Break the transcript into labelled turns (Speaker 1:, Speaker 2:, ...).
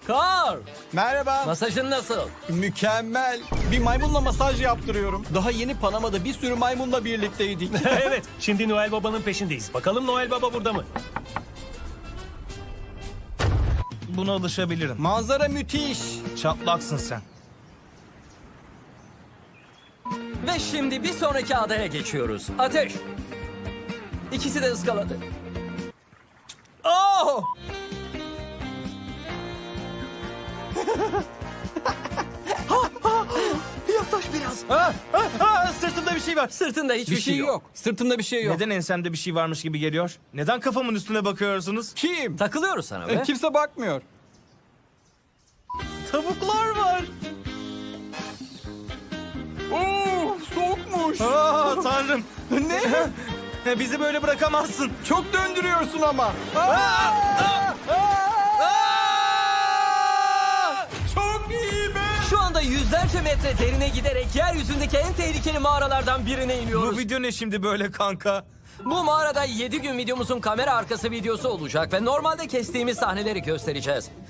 Speaker 1: Carl,
Speaker 2: Merhaba.
Speaker 1: masajın nasıl?
Speaker 2: Mükemmel. Bir maymunla masaj yaptırıyorum. Daha yeni Panama'da bir sürü maymunla birlikteydik.
Speaker 3: Evet, şimdi Noel Baba'nın peşindeyiz. Bakalım Noel Baba burada mı?
Speaker 4: Buna alışabilirim.
Speaker 2: Manzara müthiş.
Speaker 4: Çatlaksın sen.
Speaker 1: Ve şimdi bir sonraki adaya geçiyoruz. Ateş. İkisi de ıskaladı. Oh!
Speaker 2: Yaklaş biraz.
Speaker 4: Sırtımda bir şey var.
Speaker 1: Sırtında hiçbir
Speaker 2: Bir şey yok. Sırtımda bir şey yok.
Speaker 4: Neden ensemde bir şey varmış gibi geliyor? Neden kafamın üstüne bakıyorsunuz?
Speaker 2: Kim?
Speaker 1: Takılıyoruz sana be.
Speaker 2: Kimse bakmıyor.
Speaker 4: Tavuklar var.
Speaker 2: Oo, soğukmuş.
Speaker 4: Aa tanrım.
Speaker 2: Ne?
Speaker 4: Bizi böyle bırakamazsın.
Speaker 2: Çok döndürüyorsun ama. Çok iyi be.
Speaker 1: Şu anda yüzlerce metre derine giderek yeryüzündeki en tehlikeli mağaralardan birine
Speaker 4: Bu
Speaker 1: iniyoruz.
Speaker 4: video ne şimdi böyle kanka?
Speaker 1: Bu mağarada 7 gün videomuzun kamera arkası videosu olacak ve normalde kestiğimiz sahneleri göstereceğiz.